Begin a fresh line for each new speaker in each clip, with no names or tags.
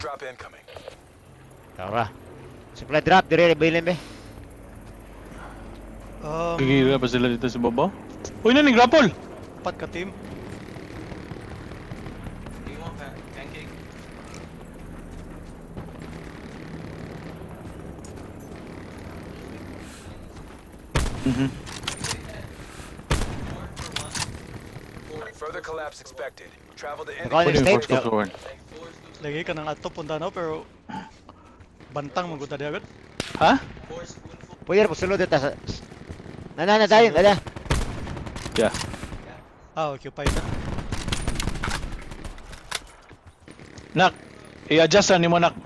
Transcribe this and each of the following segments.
Drop incoming.
Tara. Supply drop, dire bilin be.
Kikira pa sila dito sa baba. Uy, naning grapple!
4 ka team.
Do you want that pancake? Further collapse expected. Travel to
Ikaw
Pwede
yung
yung
state.
force to one.
Lagi ka nang ato punta na pero bantang magunta di agad.
Ha?
Pwede po sulod dito sa... Nana tayo, nana.
Yeah.
Occupied na.
Nak, i-adjust na ni mo, nak.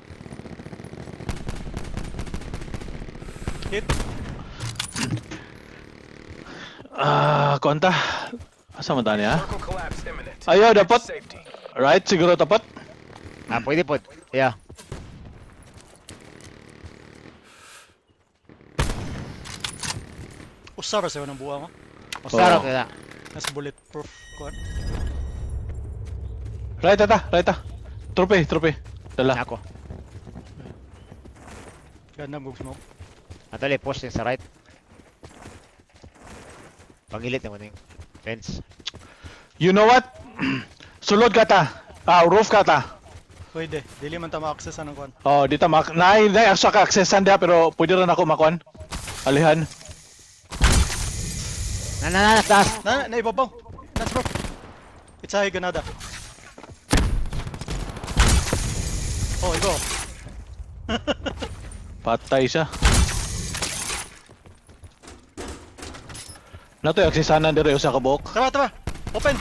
Hit.
Konta. Asa mo tani, ha?
circle collapse imminent.
Ayaw, dapat.
Safety.
Right, siguro tapat.
Pwede po. Yeah.
Usara sa'yo ng buwa mo.
Usarap
Oo.
na.
Nas bulletproof kuan.
Right, right. Trope. Dala.
Ako.
Ganda move smoke.
Atali, post yung sa right. Pangilit naman yung fence.
You know what? Sulod ka ta. Roof ka ta.
Pwede. Dili man ta ma-access anong kuan.
Oh, dito naay actually ka accessan dia pero pwede rin ako makuan. Alihan.
Nana, taas.
Na ibabaw. That's bro. It's a ganada. Oh, ikaw.
Patay siya. Nato yung accessanan dire usa ka buok.
Tara. Open.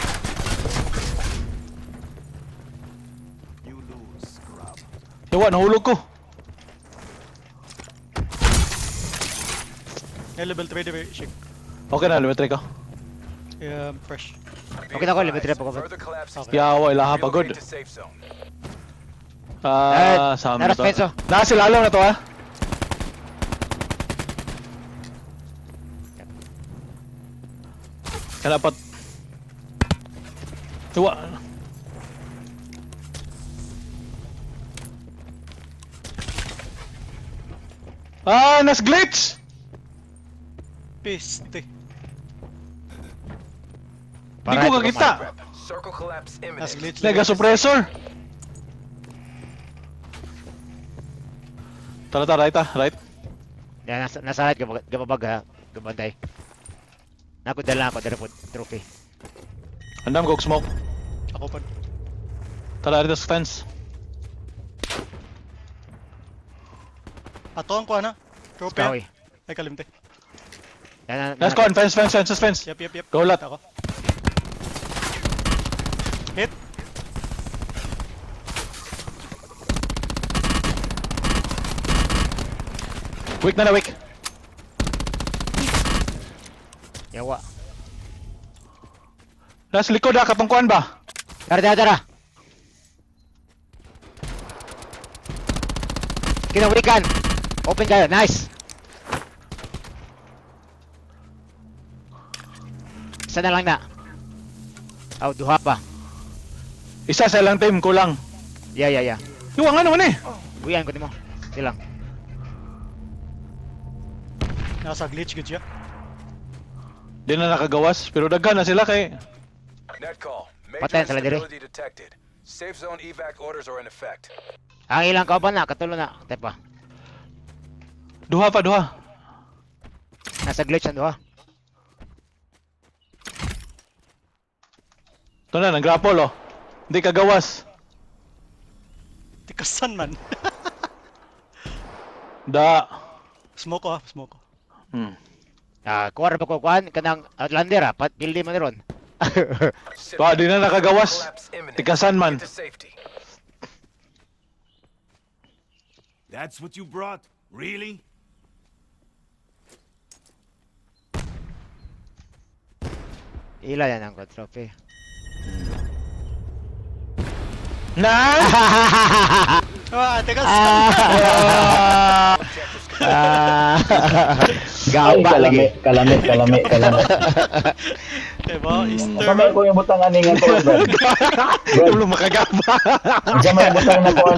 Yawa, nahulog ko.
Level 3 di shake.
Okay na, limitry ko.
Fresh.
Okay na ako, limited na po ko.
Further collapse
Okay.
Yawa, ilaha pagod.
Relocate to safe zone.
Sa amin na
naras
to.
penso.
Nasilalong na to, ha? Kalapat. Tuwa. Nas glitch!
Piste.
Di ko kakita.
Rep. Circle collapse
Nas
imminent.
glitch.
Nega suppressor. Tara, right.
Yan, nasa right, gababag ha. Gabantay. Naku, dala ako, dala po, trophy.
Andam kog smoke.
Ako pa.
Tara, dito sa fence.
Ato ang kuan ha. Trophy.
Skawi.
Ay kalimte.
Yan,
Let's go on, fence.
Yep.
Go lat.
Ako. Hit.
Weak na.
Yawa.
Nasa likod ha, katungkuan ba?
Tara. Kinawikan. Open kayo, nice. Isa na lang na. Duha pa.
Isa sa lang team, kulang.
Yeah.
Yung ano man eh.
Uyan ko mo. Silang.
Nasa glitch gud siya.
Di na nakagawas, pero daghan na sila kay...
Net call.
Patay
Major
sila dire.
instability detected. Safe zone evac orders are in effect.
Ang ilang kauban na, katulo na. Tepa.
Duha pa.
Nasa glitch ang duha.
Ito na, nag-grapple oh. Hindi kagawas.
Tikasan man.
Da.
Smoke ko.
Kuwar pa ko kuan kanang Outlander ha, pildi man ron.
Pa, di na nakagawas.
Collapse imminent.
Tikasan man.
Get to safety.
That's what you brought? Really?
Ila yan ang trophy.
Na!
Tikasan.
Gaba lagi.
Kalamit.
Diba? Easter.
Kamay ko yung butang aningan ko, bro.
Belum makagaba.
Diyan may butang na ko